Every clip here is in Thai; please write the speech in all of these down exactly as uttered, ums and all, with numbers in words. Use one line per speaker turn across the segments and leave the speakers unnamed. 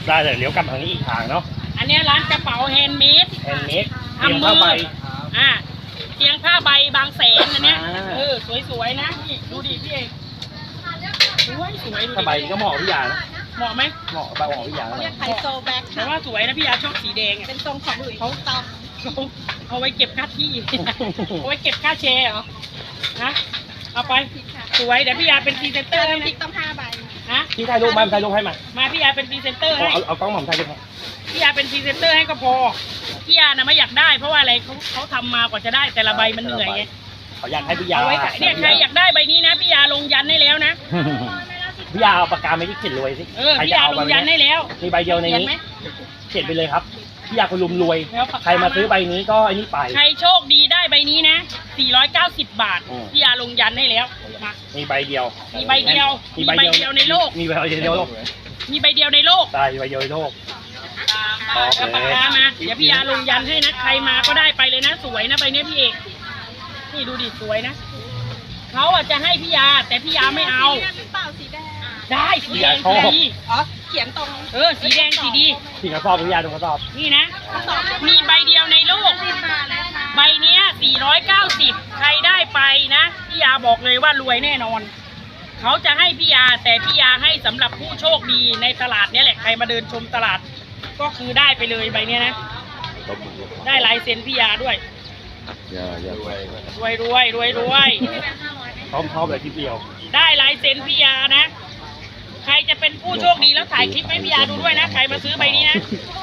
ได้เลยเลี้ยวกลับทางนี้อีกทางเนาะ
อันนี้ร้านกระเป๋าแฮนด์เมด
แฮนด์เมดเตียงผ้าใบ
อ่าเตียงผ้าใบบางแสนอันเนี้ยเออสวยๆนะนี่ดูดิพี่เอกสวยสวย
ผ้าใบก็เหมาะพี่ยานะ
เหมาะไหม
เหมาะใบเหมาะพี่ยา
เรียกไฮโซแบ็ค
แต่ว่าสวยนะพี่ยาชอบสีแดง
เป็นทรงของหลุยส์เขาตอง
เอาไว้เก็บค่าที่เอาไว้เก็บค่าแชร์เหรอนะเอาไปสวยเดี๋ยวพี่ยาเป็นพรีเซนเตอร์ให้นะ
พริกต้องห้าใบ
ฮะ
พี่ถ่ายรูปมาถ่ายรูปให้มา
มาพี่ยาเป็นพรีเซนเตอร์ให้
เอาเอากล้องหม่อมถ่ายรูปให้
พี่ยาเป็นพรีเซนเตอร์ให้ก็พอพี่ยานะไม่อยากได้เพราะว่าอะไรเขาเขาทำมากว่าจะได้แต่ละใบมันเหนื่อยไง
เขาอยากให้พี่ยา
เอาไว้ขายเนี่ยใครอยากได้ใบนี้นะพี่ยาลงยันให้แล้วนะ
พี่ยาเอาปากกาไม่ได้เขียนรวยสิ
เออพี่ยาลงยันให้แล้ว
มีใบเดียวในนี้เขียนไปเลยครับพี่ยาคนรุมรวยใครมาซื้อใบนี้ก็ไอ้นี่ไป
ใครโชคดีได้ใบนี้นะสี่ร้อยเก้าสิบบาทพี่ยาลงยันให้แล้วมา
มีใบเดียว
มีใบเดียวมีใบเดียวในโลก
มีใบเดียวในโลก
มีใบเดียวในโลก
ใช่ใบเดียวในโลก
เอาปากกามาเดี๋ยวพี่ยาลงยันให้นะใครมาก็ได้ไปเลยนะสวยนะใบนี้พี่เอกนี่ดูดิสวยนะเขาอ่ะจะให้พี่ยาแต่พี่ยาไม่เอาได้สีแดงสีดี
อ๋อเขียนตรง
เออสีแดงสีดี
สีกระสอบพี่ยาดูกระสอบ
นี่นะมีใบเดียวในโลกใบเนี้ยสี่ร้อยเก้าสิบใครได้ไปนะพี่ยาบอกเลยว่ารวยแน่นอนเขาจะให้พี่ยาแต่พี่ยาให้สำหรับผู้โชคดีในตลาดนี้แหละใครมาเดินชมตลาดก็คือได้ไปเลยใบเนี้ยนะได้ลายเซ็นพี่ยาด้วย
อย่าอย่ารวย
รวยรวยรวยรวย
พร้อมพร้อมเลยทีเดียว
ได้ลายเซ็นพี่ยานะใครจะเป็นผู้โชคดีแล้วถ่ายคลิปให้พี่ยาดูด้วยนะใครมาซื้อใบนี้นะ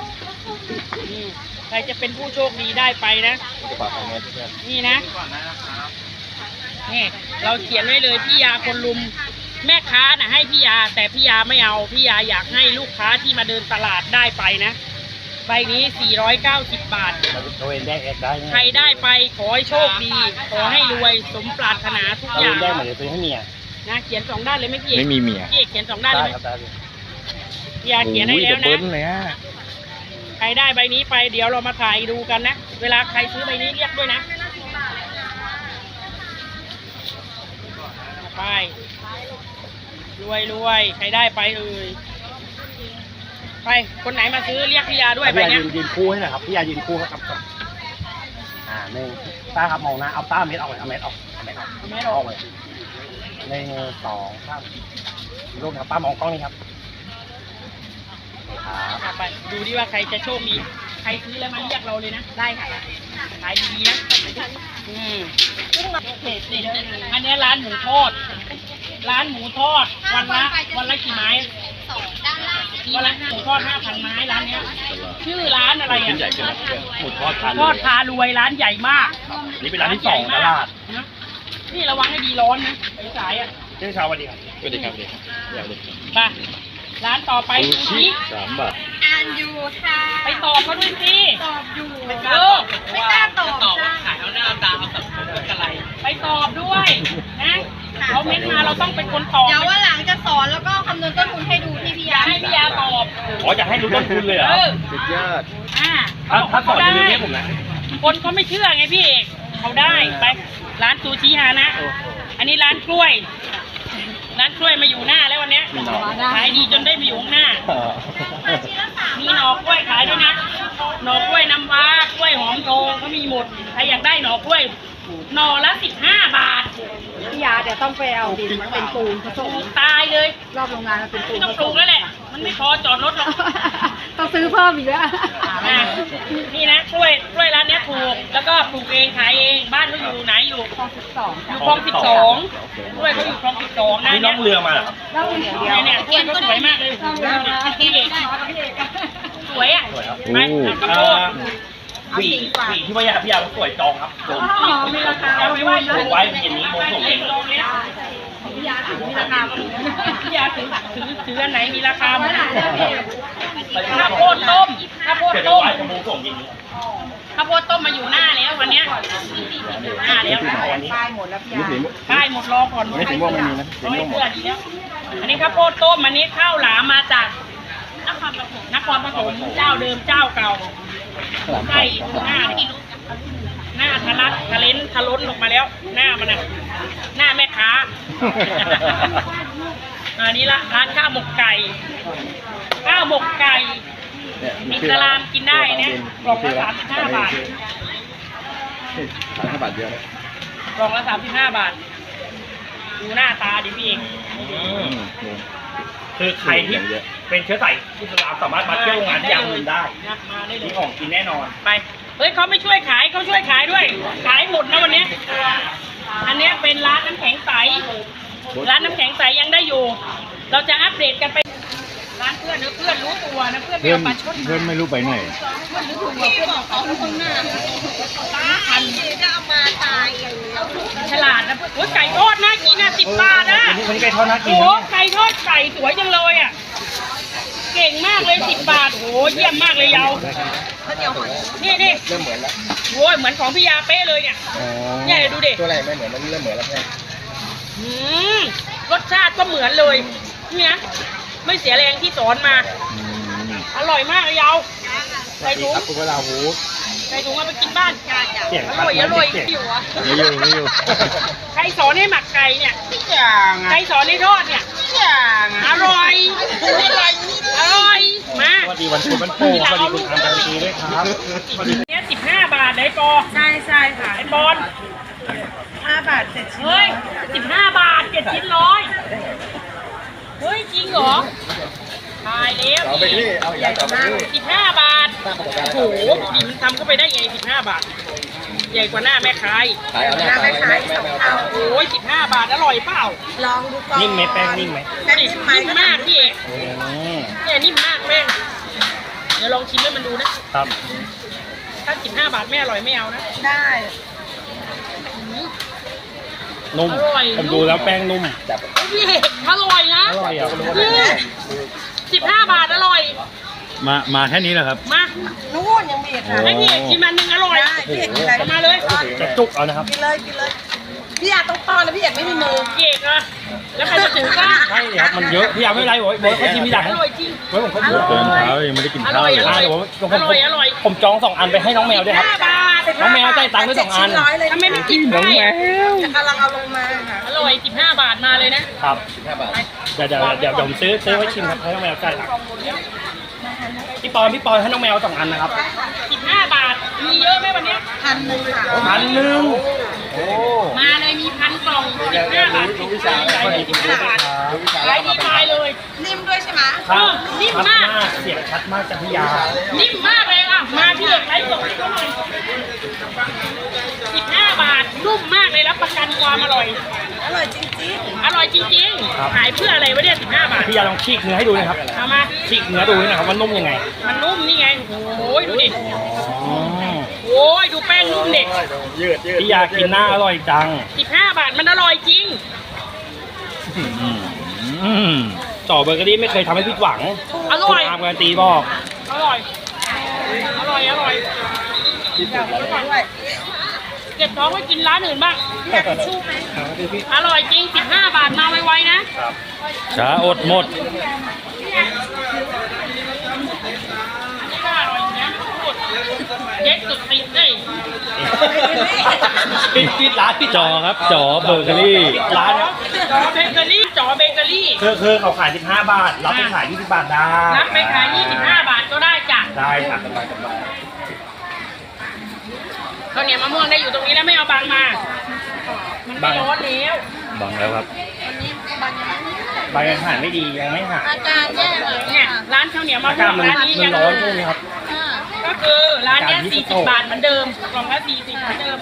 ใครจะเป็นผู้โชคดีได้ไปนะนี่นะนี่เราเขียนไว้เลยพี่ยาคนลุมแม่ค้าน่ะให้พี่ยาแต่พี่ยาไม่เอาพี่ยาอยากให้ลูกค้าที่มาเดินตลาดได้ไปนะใบนี้สี่ร้อยเก้าสิบบาทใครได้ไปขอให้โชคดีขอให้รวยสมปรารถนาทุกอย่าง
ได้เหมือนซื้อให้เมีย
นะเขียนสองด้านเลยไม่พี่
ไม่มีเมีย
พี่เขียนสองด้านเลยไหมพี่ยาเขียนให้แล้วนะใครได้ใบนี้ไปเดี๋ยวเรามาถ่ายดูกันนะเวลาใครซื้อใบนี้เรียกด้วยนะไปรวยรวยใครได้ไปเอ่ยไปคนไหนมาซื้อเรียกพี่ยาด้วยไปเนี่ย
ยืนคู่ให้หน่อยครับพี่ยายืนคู่ครับอ่าหนึ่งตาครับมองนะเอาตาเม็ดออกเลยเอาเม็ดออกเอาเม็ดออก
เอาเม็ดออก
เลยหนึ่งสองสามรูปครับป้ามองกล้องนี่ครับ
ครับไปดูดิว่าใครจะโชคดีใครซื้อแล้วมาเรียกเราเลยนะได้ค่ะขายดีๆนะอืมอันนี้ร้านหมูทอดร้านหมูทอดวันละวันละกี่ไม้วันละหมูทอดห้าพันไม้ร้านเนี้ยชื่อร้านอะไรอ่ะ
หมูทอด
ทอดพารวยร้านใหญ่มาก
นี่เป็นร้านที่สองตลาด
นี่ระวังให้ดีร้อนนะไปสายอ่ะ
เช้าเช้าวันดีครับ
สวัสดีครับสวัสดีครับ
ไปร้านต่อไปซูชิ
สามบาท
อ่านอยู่ค่ะ
ไปตอบเขาด้วยสิ
ตอบอยู่
ไม่กล้าตอบ
ไม่กล้าตอบ
ตอบว่าขายเอาหน้าเอาตาเอาตับอะไรไปตอบด้วยนะเขาเม้นมาเราต้องเป็นคนตอบ
เดี๋ยวว่าหลังจะสอนแล้วก็คำนวณต้นทุนให้ดูที่พี่ยา
ให้พี่ยาตอบ
อ๋อจะให้รู้ต้นทุนเลยเหรอ
สุดยอด
อ่า
ถ้าสอนจะรู้เนี่ยผมนะ
คนเขาไม่เชื่อไงพี่เอกเขาได้ไปร้านซูชิฮานะอันนี้ร้านกล้วยร้านกล้วยมาอยู่หน้าแล้ววันนี้ขายดีจนได้มาอยู่ข้างหน้ามีหน่อกล้วยขายด้วยนะหน่อกล้วยน้ำว้ากล้วยหอมโตเขามีหมดใครอยากได้หน่อกล้วยหน่อละสิบห้าบาท
พี่ยาเดี๋ยวต้องไปเอาดินมันเป็นปูนผสม
ตายเลย
รอบโรงงานมันเป็นปูน
ต้องปลูกแล้วแหละมันไม่พอจอดรถหรอก
ต้องซื้อเพิ่มอีกแล้ว
นี่นะกล้วยกล้วยร้านนี้ถูกแล้วก็ปลูกเองขายเองบ้านเขาอยู่ไหนอยู่
คลองสิบสอง
อยู่คลองสิบสองกล้วยเขาอยู่คลองสิบสองนะ
นี่น้องเรือมาเหรอ
ล่องเรือเดียว
เนี่ยกล้วยเขาสวยมากเลยพี่เอกสวยอ่ะไปกระโปง
หวีหวีที่ว่ายาพี่ยาสวยจองครับจอง
มีราคา
เอาไว้ไว้ไว้เย็นนี้โมส่งเอง
พี่ยาถือมีราคา
พี่ยาถือถือถืออันไหนมีราคาไหมข้าวโพดต้มข้าวโพดต้มข้าวโพดต้มมาอยู่หน้าแล้ววันเนี้ยหน้าแล้ว
ป้ายหมดแล้วพี่ยา
ป้ายหมดรอก่อน
ไม่ถึงว่าไม่มีนะ
ไม่เพื่อดีแล้วอันนี้ข้าวโพดต้มอันนี้ข้าวหลามมาจากนครปฐมนครปฐมเจ้าเดิมเจ้าเก่าใช่หน้าหน้าทะลักทะเลนทะล้นออกมาแล้วหน้ามันน่ะหน้าแม่ค้าอันนี้ละร้านข้าวหมกไก่ข้าวหมกไก่
เนี่ย
อิสลามกินได้เนี่ยกล่องละสามสิบห้าบาท
สามห้าบาทเดียวนะ
กล่องละสามสิบห้าบาทดูหน้าตาดิพี่เอง
อืมนี่
คือใครที่เป็นเชื้อสายอิสลามสามารถมาเที่ยวโรงงานที่ยางมืนได้
นะมาได้เล
มี
ย
ของกินแน่นอน
ไปเฮ้ยเขาไม่ช่วยขายเขาช่วยขายด้วย ขายหมดนะวันนี้อันเนี้ยเป็นร้านน้ำแข็งใสร้านน้ำแข็งใสยังได้อยู่ เราจะอัปเดตกันไปร้านเพื่อนเนอะเพื่อนรู้ตัวนะเพื่อนไม่
เพื่อน
เอาปลาชด
เพื่อนไม่รู้ไปไหน
เพื่อนรู้ตัวเพื่อนเอาเขาข้างหน้าตาพันจะเอามาตายฉลาดนะโอ้ยไก่ทอดน่ากินนะสิบบาทนะ
วันนี้วันนี้ไก่ทอดน่ากิน
โอ้
นะ
ไก่ทอดไก่สวยจังเลยอ่ะเก่งมากเลยสิบบาทโอ้เยี่ยมมากเลยเยานี่นี่
เริ่มเหมือนแล้ว
โอ้ยเหมือนของพี่ยาเป๊ะเลยเนี่ย
อ๋อ
เนี่ยดูดิ
ตัวอะไรไม่เหมือนมันเริ่มเหมือนแล้วแค่
อืมรสชาติก็เหมือนเลยเนี่ยไม่เสียแรงที่สอนมา
อืม
อร่อยมากเลยเยาใส่ถุง
ครับคุณเวลาหู
ใส่ถุงเอาไปกินบ้าน
เสียง
อร่อยอร่อย
เสีง
อยู่อ่ะ
ไม่อยู่ไม่อยู่
ใครสอนให้หมักไก่เนี่ย
อย่าง
ใครสอนให้ทอดเนี่ย
อย่าง
อร่อยอร่อยมา
สวัสดีวันพุธวันโป่งสวัสดีคุณทางการตีด้วยครับสวัสดี
เนี่ยสิบห้าบาทได้ปอ
ใช่ใช่ค่ะ
ไอ้บอล
ห้าบาทเจ็ดชิ้น
เฮ้ยสิบห้าบาทเจ็ดชิ้นร้อยเฮ้ยจริงเหรอตายแล้ว
เอาไปที่เอาใหญ่ต่อไปที่
สิบห้าบาท
สร้างประสบการณ์
โอ้โหดูดิมันทำเข้าไปได้ไงสิบห้าบาท ใหญ่กว่าหน้าแม่ค้าย
ขายเอาหน้าไปไม่ไม่ไม่เอา
โอ้ยสิบห้าบาทอร่อยเปล่า
ลองดูก่อน
นิ่มไหมแป้งนิ่มไหม
แป้ง
นี่
นิ่มไหม
นิ่มมากพี่เอก
อืม
เนี่ยนิ่มมากแม่งเดี๋ยวลองชิมให้มันดูนะครับ ถ้าสิบห้าบาทไม่อร่อยไม่เอานะ
ได้
นุ่ม
อร่อย
ผมดูแล้วแป้งนุ่ม
จับ
เฮ้ยพี่เอกอร่อยนะ
อร่อยอ่ะ
สิบห้าบาทอร่อย
มา มาแค่นี้แหละครับ
มา
นู่นยังมีอีกค่ะ
ให้พี่เอกชิมอันหนึ่งอร่อย
ได้พี่เอกกินอะไร
เอามาเลย
จะจุกเอานะครับ
กินเลยกินเลยพี่อาต้องป้อนนะพี่เอกไม่มีมือ
พี่เอกอะแล้วใครจะถือกล้า
ใช่เลยครับมันเยอะพี่ยาไม่เป็นไรบอกบอกเขาชิมทีหลัง
อร่อยจริง
ไว้ผมก็
อร่อย
เดินเช้ายังไม่ได้กิน
อ
ข้า
ร่
ว
อย
เล
อย ร่อย
เดี๋ยวผมผม
อร่อยอร่อย
ผมจองสองอันไปให้น้องแมวด้วยครับ
ห้าบาท
น้องแมวจ่ายตังค์ด้วยสองอัน
เจ็ดชิ้ร้อยเลย
ทำไมไม่กินได้อะ
กำลังเอาลงมาค่ะ
อร่อยสิบห้าบาทมาเลยนะครับ
ห้าบาท
เดี๋ยวเดี๋ยวเดี๋ยวเดี๋ยวผมซื้อซื้อไว้ชิมครับให้น้องแมวจ่ายตังค์พี่ปอนพี่ปอนให้น้องแมวสองอันนะครับ
สิบห้าบาทมีเยอะไหมวันเนี้ย
พันหนึ่งค่ะ
พันหนึ่งโอ้
มาเลยมีพันกล่องสิบห้าบาท
รู้วิชา
ใหญ่เลยสิบห้าบาท
รู้วิชา
ขายดีตายเลย
นิ่มด้วยใช่ไหม
ครับ
เออนิ่ม
ชัด
มาก
เสียงชัดมากจากพี่ยา
นิ่มมากเลยอ่ะมาพี่เอกไลฟ์สดให้เขาหน่อยสิบห้าบาทนุ่มมากเลยรับประกันความอร่อย
อร่อยจริง
อร่อยจริงๆขายเพื่ออะไรวะเนี่ยสิบห้าบาท
พี่ยาลองฉีกเนื้อให้ดูนะครับ
เอามา
ฉีกเนื้อดูหนะครับว่านุ่มยังไง
มันนุ่มนี่ไงโอ้ยดูดิ
อ๋อ
โอ้ยดูแป้งนุ่มเด็ก
ยืดยืด
พี่ยากินหน้าอร่อยจัง
สิบห้าบาทมันอร่อยจริง
อืมต่อเบอร์เกอรี่ไม่เคยทำให้ผิดหวัง
อร่อย
คุณอาร์มการันตีบอก
อร่อย อร่อย อร่อย
ด้วย
เก็บท้องไว้กินร้านอื่นบ้าง
อยากกินชูไหม
อร่อยจริงสิบห้าบาทมาไวๆนะ
ช้าอดหมด
นี่ก็อร่อยอยู่นะสุดเด็กสุดติดเลย
ปิดปิดร้านปิด
จอครับ จอเบอร์เกอรี่
ปิดร้านครับ
จอเบเกอรี่จอเบเกอรี่
คือคือเขาขายสิบห้าบาท รับไปขายยี่สิบบาทได้
รับไปขายยี่สิบห้าบาทก็ได้จ้ะ
ได้ครับ
ข้าวเหนียวมะม่วงได้อยู่ตรงนี้แล้วไม่เอาบางมา มันไม่ร้อนแล้ว
บังแล้วครับ
ใบยังหายไม่ดียังไม่หาย
อาการแย่เลย
เนี่ยร้านข้าวเหนียวมะ
อา
ม่
กาว ศ
ง
มัน
ร้านนี้
มั
ยั
น
ง
ร้อนช่วงนี้ครับ
ก็คือร้านเนี้ย
จานยี่สิ
สี่
บ
สิบบาทเหมือนเดิมกล่องละสี่สิบเหมือนเดิม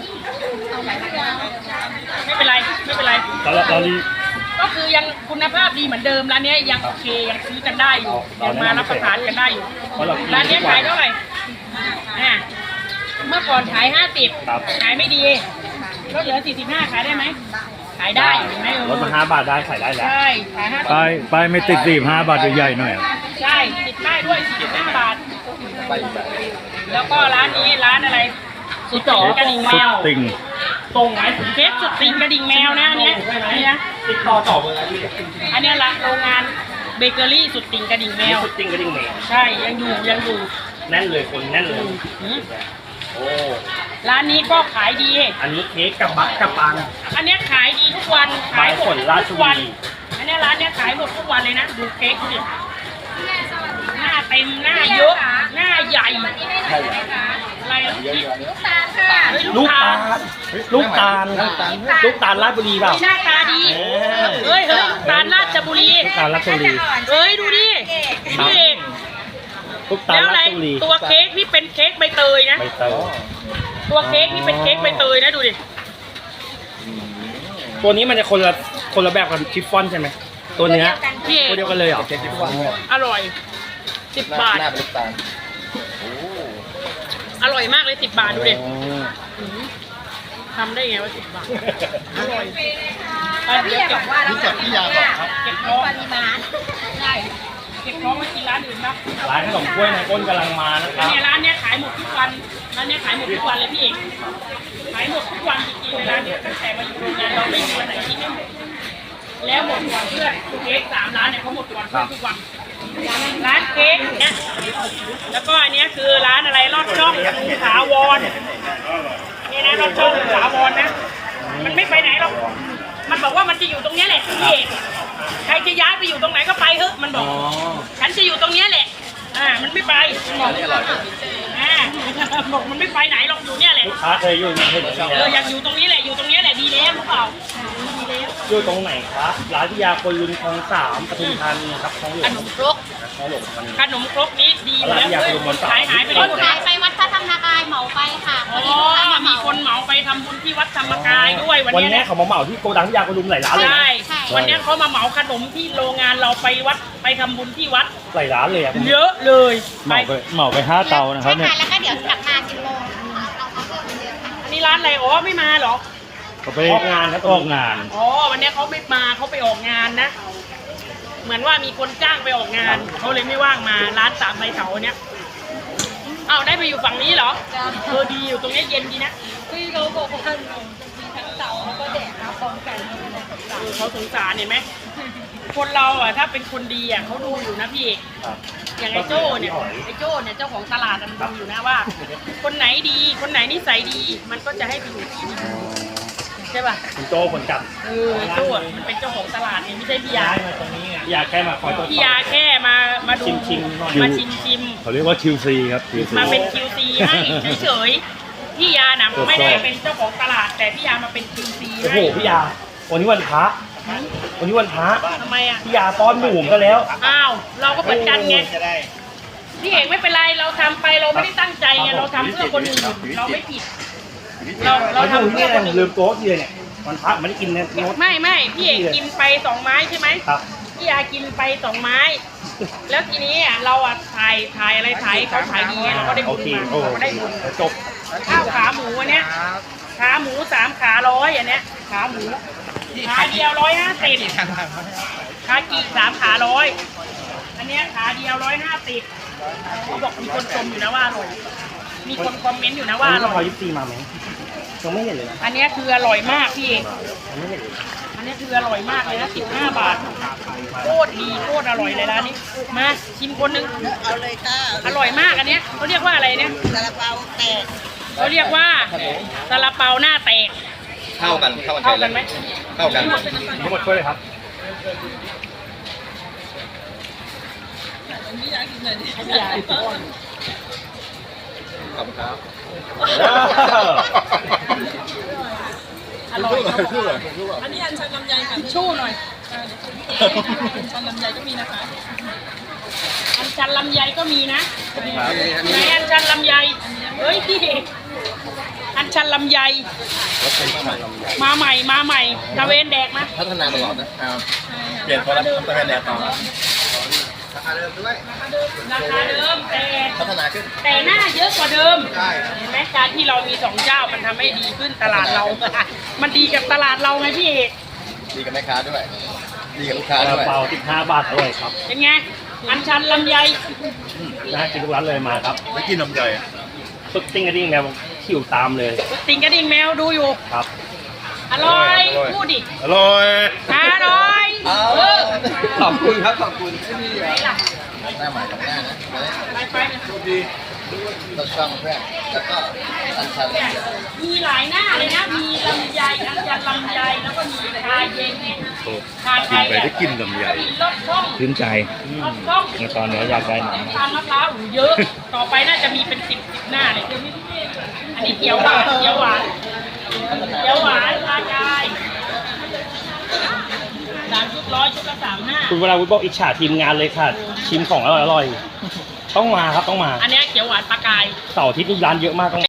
ไม่เป็นไรไม่เป็นไร
ตอนเราตอนนี้
ก็คือยังคุณภาพดีเหมือนเดิมร้านเนี้ยยังโอเคยังซื้อกันได้อยู่ยังมารับประทานกันได้อยู่
เพราะเรากิน
ร้านเนี้ยขายเท่าไหร่อ่าเมื่อก่อนขายห้าสิบ
ครับ
ขายไม่ดีลดเหลือสี่สิบห้าขายได้ไหมขายได้เห็นไหมเออ
ลดมาห้าบาทได้ขายได้แล้ว
ใช่ขายห้าสิบ
ป้ายป้ายไม่ติดสี่ห้าบาทใหญ่ๆหน่อย
ใช่ติดป้ายด้วยสี่สิบห้าบาท
ไปอีกแบบ
แล้วก็ร้านนี้ร้านอะไรสุดต่อกระดิ่งแม
สุด
ว
ติ่ง
ตรงไหม
เคสสุดติ่งกระดิ่งแมวนะอันเนี้ยอันเนี้ย
ติดต่อต่อเบอร์อะไรพี่
อันเนี้ยละโรงงานเบเกอรี่สุดติ่งกระดิ่งแมว
สุดจริงก็จริงเมย์
ใช่ยังอยู่ยังอยู่
แน่นเลยคนแน่นเลย
หืม
โอ้
ร้านนี้ก็ขายดี
อันนี้เค้กกับบักกับปัง
อันเนี้ยขายดีทุกวันขายหม
ใบ
ด
ฝนราช
ทุก
บุ
วัน
รี
ออันนี้ร้านเนี้ยขายหมดทุกวันเลยนะดูเค้กดิหน้าเต็มหน้าเยอะหน้าใหญ่อะไรลูกชิ้น
ลูกตาลค่ะ
เฮ้ย
ลู
ลู
ก
ก
ตา
ตา
ล
ล
ลูกตาลลูกตาลราชบุรีเปล่า
หน้าตาดีเฮ้ยเฮ้ยลูกตาลราชบุรี
ลูกตาลราชบุรี
เฮ้ยดูดิพี่เอก
ลูกตาล
แล้วอะไร
ราชบุรี
ตัวเค้กนี่เป็นเค้กใบเตยนะ
ใบเตย
ตัวเค้กนี่เป็นเค้กใบเตยนะดูดิ
ตัวนี้มันจะคนละคนละแบบกับชิฟฟ่อนใช่ไหมตัวเนื้อ
พี่เอก
ตัวเดียวกันเลยเหรอ
อร่อยสิบบาท
หน้าเป็นลูกตาล
อร่อยมากเลยสิบบาทดูดิหืมทำได้ไงว่าสิบบาทอร่อยไปเดี๋ยวเก็บว่า
รู้จักพี่ยาบอกครับ
เก็บท้อง
ปริมาณได้
เก็บท้องไว้กินร้านอื่นบ้าง
ร้านขนมกล้วยในก้นกำลังมานะค
อั
รั
น
บ
นี้ร้านเนี้ยขายหมดทุกวันร้านเนี้ยขายหมดทุกวันเลยพี่เอกขายหมดทุกวันจริงๆเลยร้านเนี้ยตั้งแต่มาอยู่โรงงานเราไม่มีวันไหนที่ไม่หมดแล้วหมดก่อนเพื่อนเค้กสามร้านเนี่ยเขาหมดก่อนเพื่อนทุกวันร้านเค้กเนี่ยแล้วก็อันเนี้ยคือร้านอะไรลอดช่องถาวรนี่นะลอดช่องถาวรนะมันไม่ไปไหนหรอกมันบอกว่ามันจะอยู่ตรงเนี้ยแหละพี่เอกใครจะย้ายไปอยู่ตรงไหนก็ไปเถอะมันบอก ฉันจะอยู่ตรงเนี้ยแหละ อ่า มันไม่ไปมันบอกอ่าบอกมันไม่ไปไหนหรอกอยู่เนี่ยแหละ
ลูกค้าเคยอยู่ในเห็น
เอออยากอยู่ตรงนี้แหละ อยู่ตรงเนี้ยแหละดีแล้วหรือเปล่าดีแล้ว
อยู่ตรงไหนครับร้านพิยาคนลุนคลองสามปทุมธานีครับคลองหลว
ข
ง
นมครก
คลองหลวงมัน
ขนมครกนี้ดีอยู่แล้ว
ร้านอยากอยู่บนเสา
ขายหายไป
ค
ได้
น
หมด
ขายไปวัดพระธรรมกายเหมาไปค่ะพ
อ๋
อ
อ
ดีลูกค้ามาเห
มี
มา
คนเหมาไปทำบุญที่วัดธรรมกายด้วยวัน
วัน
เนี้ย
นี้
นะ
เขามาเหมาที่โกดังพิยาคนลุมหลายร้านเลย
ใช่
นะ
วันเนี้ยเขามาเหมาขนมที่โรงงานเราไปวัดไปทำบุญที่วัด
หลายร้านเลยอะ
เยอะเลย
เหมาไปเหมาไปห้าเตานะครับเนี่ย
ใช่แล้วก็เดี๋ยวกลับมาสิบโมง
อันนี้ร้านอะไรอ๋อไม่มาเหรอ
เขาไป
ออกงานครับ
ออกงาน
อ๋อวันนี้เขาไม่มาเขาไปออกงานนะ เหมือนว่ามีคนจ้างไปออกงานเขาเลยไม่ว่างมาร้านสามใบเถาเนี้ยอ้าวได้ไปอยู่ฝั่งนี้เหรอเออดีอยู่ตรงนี้เย็นดีนะ
พี่เขาบอกว่ามีทั้งเสาแล้วก็แดดมาพร้อมกัน
เออเขาสงสารเห็นไหมคนเราอ่ะถ้าเป็นคนดีอ่ะเขาดูอยู่นะพี่เอก
ครับ
อย่างไอ้โจ้เนี่ยไอ้โจ้เนี่ยเจ้าของตลาดมันดูอยู่นะว่า คนไหนดีคนไหนนิสัยดี มันก็จะให้ไปอยู่ที่ดีใช่ป่ะ
คุณโจคนจับ
เออไอ้โจ้อะมันเป็นเจ้าของตลาดเนี่ยไม่ใช่พี่ยา
ย้ายมาตรงนี้ไงอยากแค่มาคอยตรวจส
พี่
อบ
ยาแค่มามาดู
ชิมๆหน่อย
มาชิมชิม
เขาเรียกว่าคิวซีครับ คิวซี
มาเป็น คิว ซี ให้เฉยๆพี่ยานะไม่ได้เป็นเจ้าของตลาด แต่พี่ยามาเป็น คิว ซี
โอ้โห
ให้
พี่ยาวันนี้วันพระวันนี้วันพระ
ทำไมอ่ะ
พี่ยาป้อนหมูกันแล้ว
อ้าวเราก็เหมือนกันไงพี่เอกไม่เป็นไรเราทำไปเราไม่ได้ตั้งใจไงเราทำเพื่อคนอื่นเราไม่ผิด เราเรา
เรา
ทำ
ทำ
เพื่
นี่
อ
อะไร
คนอื่น
ลืมโต๊ะทีเลยเนี่ยวันพระไม่ได้กินเนี่ยโน้ต
ไม่ไม่พี่เอกกินไปสองไม้ใช่ไหม
ครับ
พี่ยากินไปสองไม้ แล้วทีนี้อ่ะเราอ่ะถ่ายถ่ายอะไรถ่ายให้เขาถ่ายดีไงเราก็ได้
โอ
บุญ
เค
มา
โอ้
เราก็ได้บุญ
จบ
ข้าวขาหมูอันเนี้ยขาหมูสามขาร้อยอันเนี้ยขาหมูขาเดียวร้อยห้าสิบขากีสามขาร้อยอันเนี้ยขาเดียวร้อยห้าสิบเขาบอกมีคนชมอยู่นะว่าอร่อยมีคนคอมเมนต์อยู่นะว่า
วัน
อ
นี้
ร่
พอ
อย
ยิปซีมาไหมยังไม่เห็นเลยนะ
อันเนี้ยคืออร่อยมากพี่เอก
ยังไม่เห็นเลย
อันเนี้ยคืออร่อยมากเลยนะสิบห้าบาทโคตรดีโคตรอร่อยเลยร้านนี้มาชิมคนหนึง
เอาเลยค่ะ
อร่อยมากอันเนี้ยเขาเรียกว่าอะไรเนี่ย
ซาลาเปาแตก
เขาเรียกว่าซาลาเปาหน้าแตก
เข้ากันเข้ากัน
เข้ากันไหม
เข้ากัน
ทั้งหมดช่วยเลยครับ
ให้พี่ยาอีกก้อน
ขอบคุณครับ
อร่อย
ชื่ออะไร
อันนี้อันชันลำไยค่ะ
ทิชชู่หน่อย
อันชันลำไยก็มีนะคะ
อันชันลำไยก็มีนะไหนอันชันลำไยเฮ้ยพี่เอกอันชันลำไยมาใหม่มาใหม่ตะเวนแดกนะ
พัฒนาตลอดนะครับเปลี่ยนคนละพัฒนาแนวต่อราคาเดิมด้วย
ราคาเดิมแต่
พัฒนาขึ้น
แต่หน้าเยอะกว่าเดิม
ใช่
เห็นไหมการที่เรามีสองเจ้ามันทำให้ดีขึ้นตลาดเรา มันดีกับตลาดเราไงพี่เอก
ดีกับแม่ค้าด้วย ดีกับลูกค้า
ซา
ด้
ลา
วย
เปาสิบห้าบาทด้วยครับ
เป็นไงอันชันลำไย
น่ากินทุกร้านเลยมาครับ
ไม่กินนมใหญ่
สุดติ้งกระดิ่งแมวขิวตามเลย
ติงกระดิ่งแมวดูอยู่
ครับ
อร่อยพูดดิ
อร่อย
อร่อยเออ
ขอบคุณครับ ขอบคุณ
ไหนล่ะ
หน้าใหม่ของหน้านะ
ไปไป
ดีต้นช่องเพื่อนแล้วก็อันชันลำไย
มีหลายหน้าเลยนะ มีลำไยอันจันลำไยแล้วก็มีชาเย็นชาไทย
ไปได้กินลำไย
มีรสช่อง
ชื่นใจ
รสช่อง
ในตอนนี้อยากได้หนัง
ตาลมะพร้าวหูเยอะ ต่อไปน่าจะมีเป็นสิบสิบหน้าเลยอันนี้เขียวหวานเขียวหวานเขียวหวานชากายสามชุดร้อยชุดละสามห้า
คุณวราวุฒิบอกอิจฉาทีมงานเลยค่ะ ชิมของอร่อยๆต้องมาครับต้องมา
อันเนี้ยเขียวหวานปลากาย
เสาร์อาทิตย์นี้ร้านเยอะมากต้อง